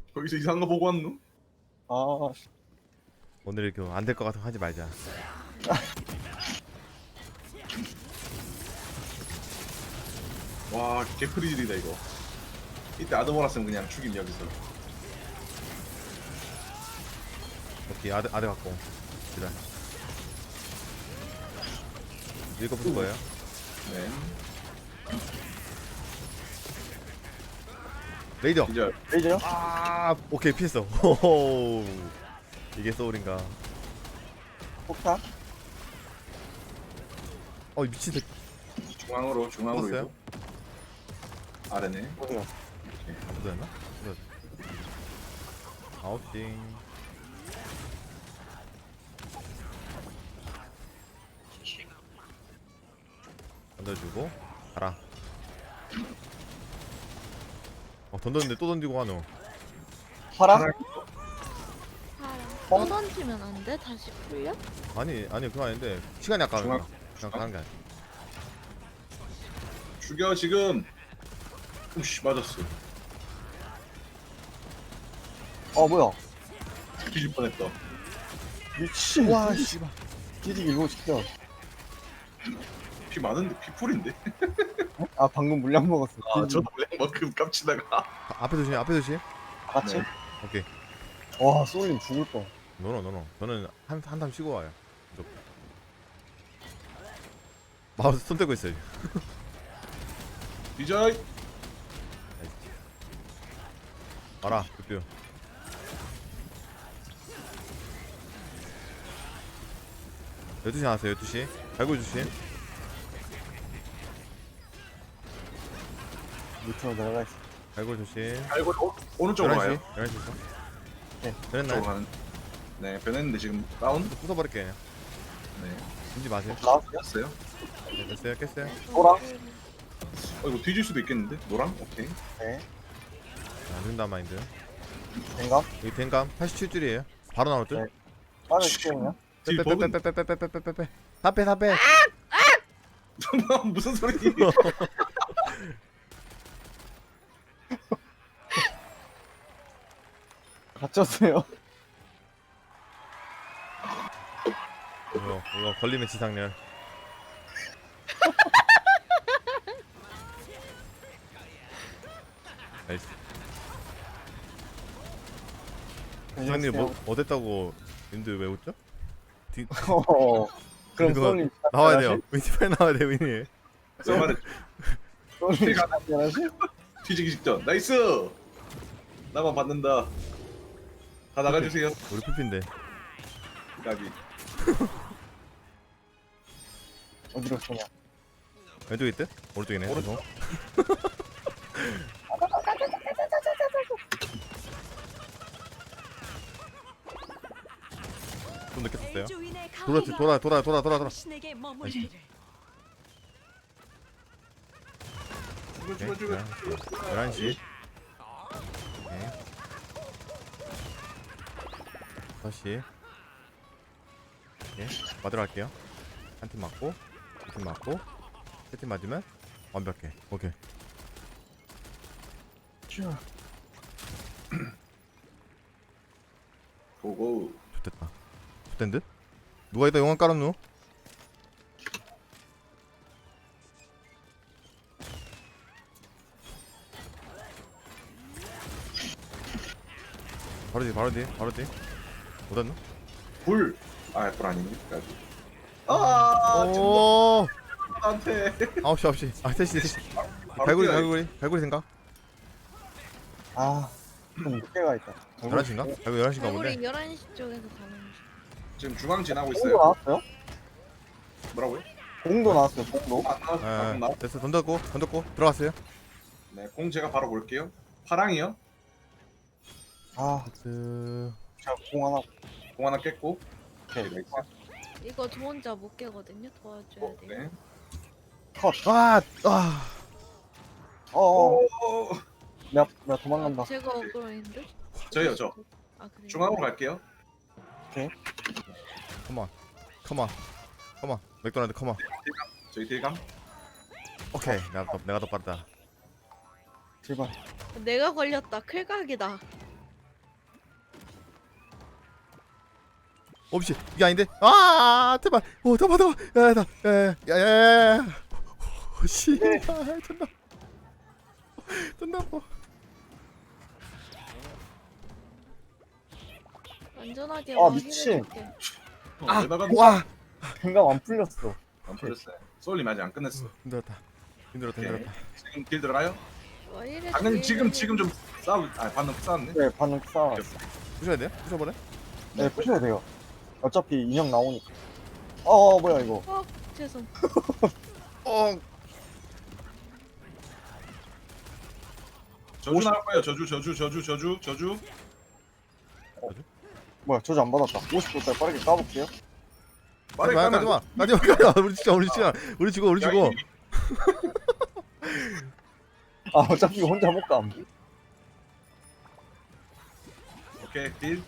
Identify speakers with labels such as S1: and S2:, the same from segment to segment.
S1: 거기서 이상한 거 보고 왔노?
S2: 아,
S3: 오늘 이렇게 안 될 것 같아 하지 말자.
S1: 와 개프리질이다 이거. 이때 아드모라스는 그냥 죽임 여기서.
S3: 오케이 아드 갖고. 기다려. 읽어볼 거예요.
S1: 네.
S3: 레이저.
S1: 진짜
S2: 레이저요?
S3: 아 오케이 피했어. 호호. 이게 소울인가?
S2: 폭탄?
S3: 어 미친 새끼.
S1: 중앙으로
S3: 뽑았어요?
S1: 이거. 아래네.
S2: 어디요?
S3: 묻었나? 아웃딩. 던져주고 가라. 던졌는데 또 던지고 가노.
S2: 파랑?
S1: 파랑.
S4: 사람 또 던지면 안 돼? 다시 풀려?
S3: 아니 그거 아닌데 시간이 아까운
S1: 중앙.
S3: 거야. 그냥 가는 게 아니야.
S1: 죽여 지금. 우씨 맞았어.
S2: 뭐야?
S1: 뒤질 뻔했다.
S2: 미친.
S3: 와 씨발.
S2: 뒤지기 일보 시켜.
S1: 피 많은데 피풀인데?
S2: 아, 방금 물량 먹었어.
S1: 아
S2: 뒤지기.
S1: 저도 그만큼 깝치다가.
S3: 앞에 조심 앞에 조심.
S2: 같이?
S1: 네.
S3: 오케이.
S2: 와, 쏠림 죽을 뻔.
S3: 노노. 저는 한탐 쉬고 와요. 무조건. 마우스 손 떼고 있어요.
S1: 디자이.
S3: 알아. 뷰. 12시 나왔어요. 12시. 갈고 조심.
S2: 밑으로 내려가 있어.
S3: 갈고 조심.
S1: 알고 오른쪽으로
S3: 11시.
S1: 가요.
S3: 11시 있어.
S2: 네.
S3: 변했나요?
S1: 쪽으로 가는. 네 변했는데 지금 다운.
S3: 부숴버릴게 그냥.
S1: 네.
S3: 숨지 마세요.
S2: 나왔어요?
S1: 깼어요.
S3: 네, 됐어요. 깼어요.
S2: 노랑?
S1: 이거 뒤질 수도 있겠는데? 노랑? 오케이.
S2: 네.
S3: 안 된다 마인드.
S2: 된감?
S3: 여기 댕감 87줄이에요. 바로 나올 듯.
S2: 네. 빠르게 시켜요.
S1: 딜 버그.
S3: 빼빼빼빼빼빼빼빼빼빼. 다 빼.
S1: 무슨 소리?
S2: 갇혔어요.
S3: 이거 걸리면 지상렬. 나이스. 지상렬 뭐 어땠다고 님들 왜 웃죠?
S2: 그럼
S3: 이거
S2: 쏠림
S3: 나와야 돼요. 윈티 빨리 나와야 돼요. 윈이.
S1: 쏘마를
S2: 쏠림 잘하시?
S1: 뒤지기 직전. 나이스. 나만 받는다. 다 나가주세요.
S3: 우리 피피인데.
S1: 가비.
S2: 어디로 쏘냐?
S3: 왼쪽에 있대? 오른쪽이네.
S1: 오른쪽.
S3: 좀 늦게 썼어요.
S5: 그렇지
S3: 돌아.
S1: 죽어
S3: 오케이.
S1: 죽어 죽어.
S3: 11시. 오케이. 5시. 오케이. 맞으러 갈게요. 한 팀 맞고, 두 팀 맞고, 세 팀 맞으면 완벽해. 오케이.
S1: 고고.
S3: 좋됐다. 좋된 듯? 누가 여기다 용암 깔았노? 바로 뒤. 못 왔노?
S1: 불. 불 아니네. 가비. 아,
S3: 오!
S1: 나한테.
S3: 9시. 아, 3시.
S1: 바로 뛰어야지.
S3: 갈고리 생각?
S2: 아, 좀 늦게 가 있다.
S3: 11시인가? 갈고리 11시인가
S4: 우리
S3: 본데?
S4: 11시 쪽에서 가는 중.
S1: 지금 중앙 지나고
S2: 공도
S1: 있어요.
S2: 나왔어요?
S1: 뭐라고요?
S2: 공도 나왔어요, 공도.
S1: 안 나왔. 방금
S3: 예,
S1: 나왔.
S3: 됐어. 던졌고, 들어갔어요.
S1: 네, 공 제가 바로 볼게요. 파랑이요.
S2: 아,
S3: 그...
S2: 제가 공 하나.
S1: 공 하나 깼고.
S2: 오케이.
S1: 나이스.
S4: 이거 저 혼자 못 깨거든요. 도와줘야 돼요.
S1: 네.
S2: 컷.
S1: 오.
S2: 내가 도망간다.
S4: 제가 억울한데?
S1: 저요 저.
S4: 아 그래.
S1: 중앙으로 갈게요.
S3: 컴온. 맥도날드 컴온.
S1: 저희 딜감.
S3: 오케이. 내가 더 빠르다.
S2: 제발.
S4: 내가 걸렸다. 클각이다.
S3: 없이 이게 아닌데. 아 제발. 오 잡아. 야야야야야야야. 씨. 존나. 존나 아파.
S4: 안전하게
S2: 아, 미친.
S4: 해줄게.
S1: 아, 내가
S3: 와.
S2: 생각 안 풀렸어.
S1: 안 풀렸어요. 소울님 아직 안 끝냈어.
S3: 힘들었다. 힘들었다.
S1: 오케이.
S3: 힘들었다.
S1: 지금 길 들어가요?
S4: 와 이래.
S1: 당연히 지금 좀 싸우. 아 방금 싸웠네.
S2: 네, 반응 쌓아.
S3: 부셔야 돼요? 부셔버려?
S2: 네, 푸셔야 돼요. 어차피 인형 나오니까. 뭐야 이거.
S4: 죄송.
S3: 어.
S1: 저주 나올 거예요. 저주.
S2: 뭐야, 저주 안 받았다. 50도짜리 빠르게 까볼게요.
S1: 빠르게
S3: 가지
S1: 가면
S3: 마. 우리 죽어.
S2: 어차피 혼자 못 감.
S1: 오케이 딜.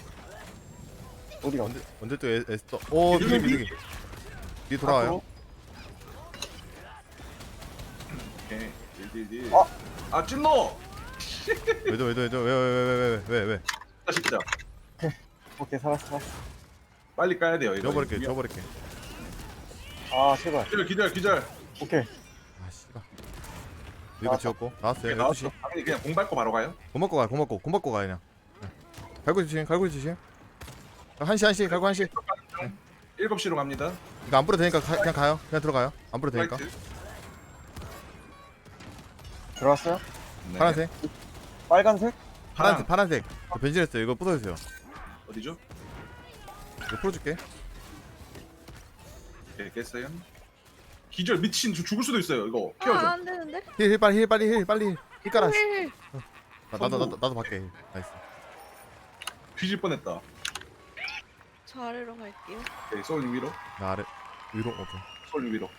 S2: 어디가?
S3: 언제 또 에스터. 오 비둘기. 뒤 돌아와요.
S1: 오케이 딜.
S2: 아!
S1: 아 찐노.
S3: 왜?
S1: 진짜
S2: 오케이, 살았어.
S1: 빨리 까야 돼요. 이거.
S3: 지워버릴게.
S2: 아, 제발.
S1: 기절.
S2: 오케이.
S3: 아 씨발. 이거 지웠고 나왔어요.
S1: 나왔어.
S3: 12시.
S1: 당연히 그냥 공 밟고 바로 가요.
S3: 공 맞고 가 그냥. 갈고리 주심. 1시 갈고 1시.
S1: 7시로 갑니다.
S3: 이거 안 뿌려도 되니까 그냥 가요. 그냥 들어가요. 안 뿌려도 되니까.
S1: 라이트.
S2: 들어왔어요?
S1: 네.
S3: 파란색.
S2: 빨간색?
S3: 파란색. 저 변신했어요. 이거 부숴주세요.
S1: 어디죠?
S3: 이거 풀어줄게.
S1: 오케이 깼어요. 기절 미친 죽을 수도 있어요. 이거 키워줘.
S4: 아안 되는데.
S3: 힐 빨리 힐 깔아.
S4: 힐.
S3: 나도 밖에. 나이스.
S1: 뒤질 뻔했다.
S4: 저 아래로 갈게요.
S1: 오케이 소울님 위로.
S3: 나 아래 위로. 오케이.
S1: 소울님 위로.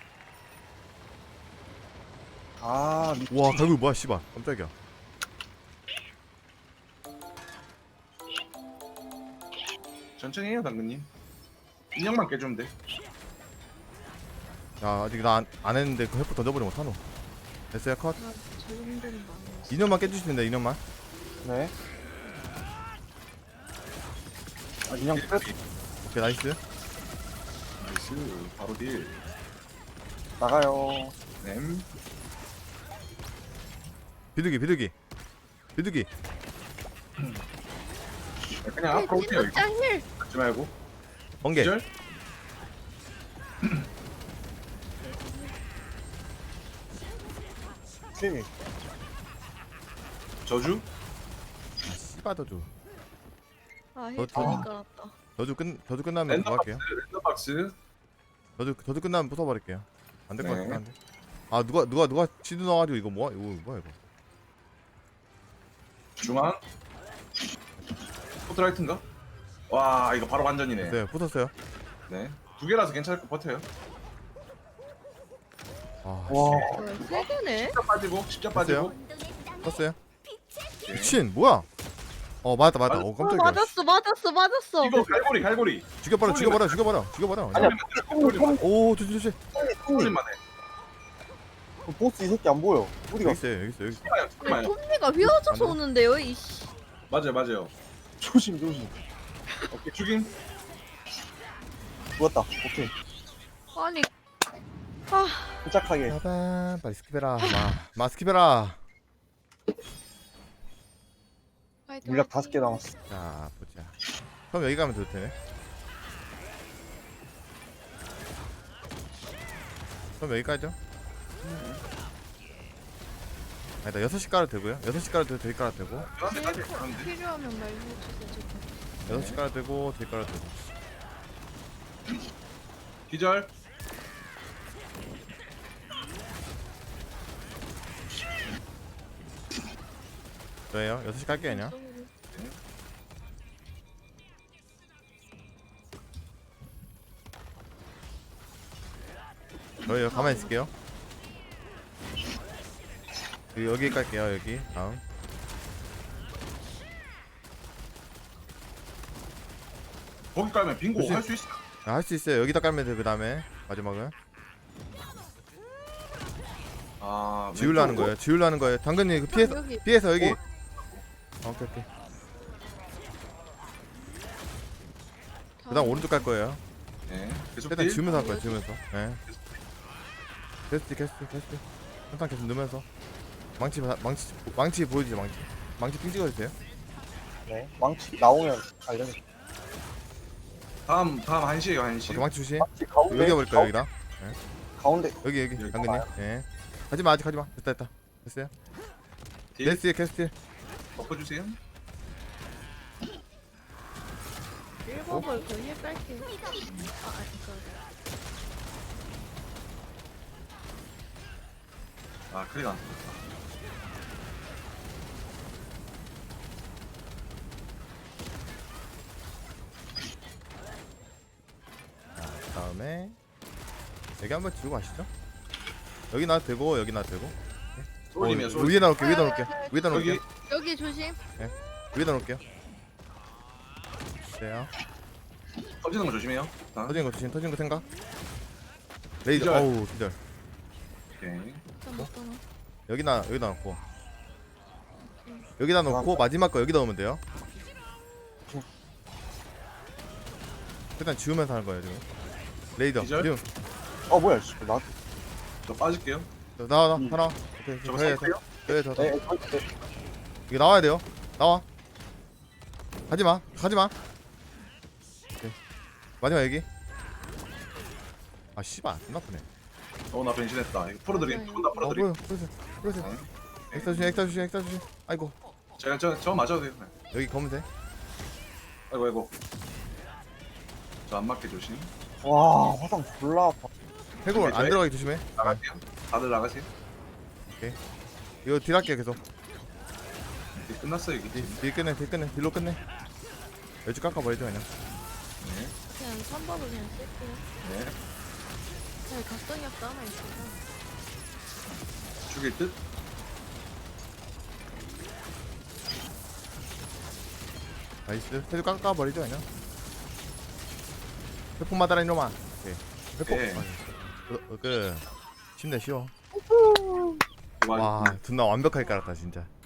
S3: 와 갈고리 뭐야 씨발. 깜짝이야.
S1: 천천히 해요 당근님. 인형만 깨주면 돼.
S3: 야 아직 나 안 했는데 그 헬프 던져버리면 어떡하노. 됐어요 컷.
S4: 아저 정도는 많이.
S3: 인형만 깨주시면 돼. 인형만.
S2: 네. 인형 끝.
S3: 오케이 나이스.
S1: 나이스. 바로 딜.
S2: 나가요.
S1: 램.
S3: 비둘기.
S1: 그냥 앞으로 오세요. 이거.
S4: 짱 힐.
S1: 하지 말고.
S3: 번개.
S1: 기절.
S2: 스윙.
S1: 저주.
S3: 씨발 더주.
S4: 아힐
S3: 저-
S4: 괜히 깔았다.
S3: 저주 끝나면 그거 할게요.
S1: 랜덤박스.
S3: 저주 끝나면 부숴버릴게요. 안 될 것
S1: 네.
S3: 같긴 한데. 아 누가 치드 넣어가지고 이거 뭐야 이거.
S1: 중앙. 포트라이트인가? 와 이거 바로 완전이네.
S3: 됐어요. 부쉈어요.
S1: 네. 2개라서 괜찮을 거 버텨요.
S3: 아
S2: 와.
S4: 뭐야 세 개네?
S1: 십자 빠지고.
S3: 떴어요.
S1: 오케이.
S3: 미친 뭐야? 맞다. 깜짝이야.
S4: 맞았어.
S1: 이거 갈고리.
S3: 죽여버려.
S2: 아니야.
S3: 오 조심.
S1: 소울님만 해.
S2: 보스 이 새끼 안 보여. 어디가?
S3: 여기 있어요.
S1: 잠깐만요.
S4: 톱니가 휘어져서
S3: 안 돼?
S4: 오는데요 이씨.
S1: 맞아요.
S2: 조심.
S1: 오케이 죽임.
S2: 죽었다. 오케이.
S4: 아니
S2: 침착하게.
S3: 빠밤 빨리 스킵해라. 마 스킵해라.
S2: 물약 5개 남았어.
S3: 자 보자. 그럼 여기 가면 돼도 되네. 그럼 여기까지죠? 아니다 6시 깔아도 되고요. 6시 깔아도 되고 저기 깔아도 되고
S1: 저한테까지 가는데.
S4: 필요하면 말해주세요.
S3: 6시 깔아도 되고 저기 깔아도 되고.
S1: 기절.
S3: 저예요. 6시 깔게요 그냥. 저예요. 가만히 있을게요. 여기 깔게요. 여기 다음.
S1: 거기 깔면 빙고
S3: 그치?
S1: 할 수 있어.
S3: 할 수 있어요. 여기다 깔면 돼요. 그 다음에 마지막은
S1: 아
S3: 지우려는 거예요. 지우려는 거예요. 당근님 그
S4: 여기.
S3: 피해서 여기. 오케이. 그다음 오른쪽 갈 거예요.
S1: 네. 계속
S3: 일단
S1: 딜.
S3: 지우면서 할 거예요. 지우면서. 예. 캐스트. 항상 계속 넣으면서. 망치 보여주죠. 망치 핑 찍어주세요.
S2: 네. 망치 나오면 알려주세요.
S1: 다음 1시에요 1시.
S3: 오케이, 망치 주시.
S2: 망치 가운데.
S3: 여기 버릴까요 여기다.
S2: 가운데.
S3: 여기 당근님. 예. 가지마 아직 가지마. 됐다. 됐어요.
S1: 딜.
S3: 데스에 캐스트.
S1: 덮어주세요.
S4: 1법을 거의 뺄게.
S1: 아 클릭 안.
S3: 다음에 여기 한번 지우고 가시죠. 여기 놔도 되고 여기 놔도 되고.
S1: 쏠리면 쏠.
S3: 위에다 놓을게요. 위에다 놓을게요.
S1: 여기
S4: 여기 조심.
S3: 위에다 놓을게요. 돼요.
S1: 터지는 거 조심해요. 자,
S3: 터지는 거 조심. 터지는 거 생각. 레이저.
S1: 기절.
S3: 어우 기절.
S1: 오케이.
S4: 잠깐만.
S3: 여기다 놓고. 여기다 놓고 마지막 거 여기다 넣으면 돼요. 일단 지우면서 하는 거예요 지금. 레이더.
S1: 기절?
S3: 지금.
S2: 뭐야 씨. 나.
S1: 저 빠질게요.
S3: 나와 하나. 오케이.
S1: 저거
S3: 네,
S1: 살게요.
S3: 네,
S2: 네. 네.
S3: 이게 나와야 돼요. 나와. 가지마. 오케이. 마지막 여기. 아 씨발 안 나쁘네.
S1: 나 변신했다. 이거 풀어드림. 두분다 풀어드림.
S3: 보여주세요.
S1: 네.
S3: 엑스타 주신. 아이고.
S1: 제가 저 맞아도 돼요. 네.
S3: 여기 검은색.
S1: 아이고. 저 안 맞게 조심.
S2: 와 화상 졸라 아파.
S3: 해골
S1: 오케이,
S3: 안 들어가게 조심해.
S1: 나갈게요. 다들 나가세요.
S3: 이거 딜 할게 계속.
S1: 이제 끝났어요 이게.
S3: 딜 끝내. 딜로 끝내. 여주 깎아버리죠 그냥.
S1: 네.
S4: 그냥 3법을 그냥 쓸게요.
S1: 네.
S4: 잘 각성력도 하나 있어서.
S1: 죽일 듯.
S3: 나이스. 해주 깎아버리죠 그냥. 회폭 맞아라 이놈아. 오케이. 회폭.
S1: 네.
S3: 그 쉽네 쉬워.
S1: 와.
S3: 와 존나 완벽하게 깔았다 진짜.